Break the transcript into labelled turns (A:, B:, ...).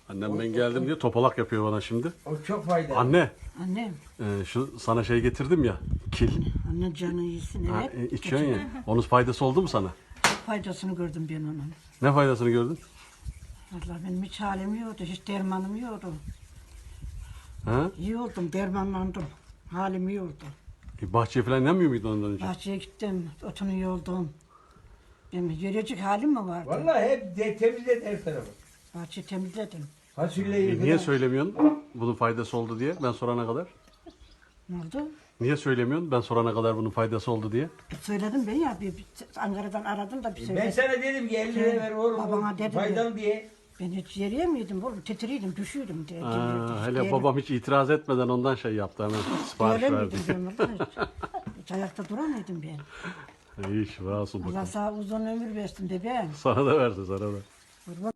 A: Annem ben geldim diye topalak yapıyor bana şimdi.
B: O çok faydalı.
A: Anne,
C: Annem,
A: şu sana şey getirdim ya, kil.
C: anne canı iyisin
A: Ha,
C: evet.
A: içiyorsun ya. Onun faydası oldu mu sana?
C: Çok faydasını gördüm ben onun.
A: Ne faydasını gördün?
C: Vallahi benim hiç halim yoktu, hiç dermanım yoktu.
A: Ha?
C: İyi oldum, dermanlandım. Halim iyi oldu.
A: Bahçeye falan inemiyor muydun ondan önce?
C: Bahçeye gittim, otunu yoldum. Benim yürüyecek halim mi vardı?
B: Vallahi hep temizlet her tarafı.
C: Bahçeyi temizledim.
B: Fasulyeyi
A: Niye söylemiyorsun bunun faydası oldu diye ben sorana kadar?
C: Ne oldu?
A: Niye söylemiyorsun ben sorana kadar bunun faydası oldu diye?
C: Söyledim ben ya, bir Ankara'dan aradım da bir
B: Ben
C: söyledim.
B: sana dedim ki 50 lira ver oğlum.
C: Babana dedim
B: Faydalı diye.
C: Ben hiç yürüyemiyordum oğlum, titriydim, düşüyordum. Direkt,
A: Hele babam hiç itiraz etmeden ondan şey yaptı hemen sipariş verdi.
C: Öyle miydim ben vallahi hiç ayakta duramıyordum ben.
A: İyi şifa olsun
C: Allah
A: bakalım.
C: sağ uzun ömür versin bebeğim.
A: Sana da versin sana da.
C: Kurban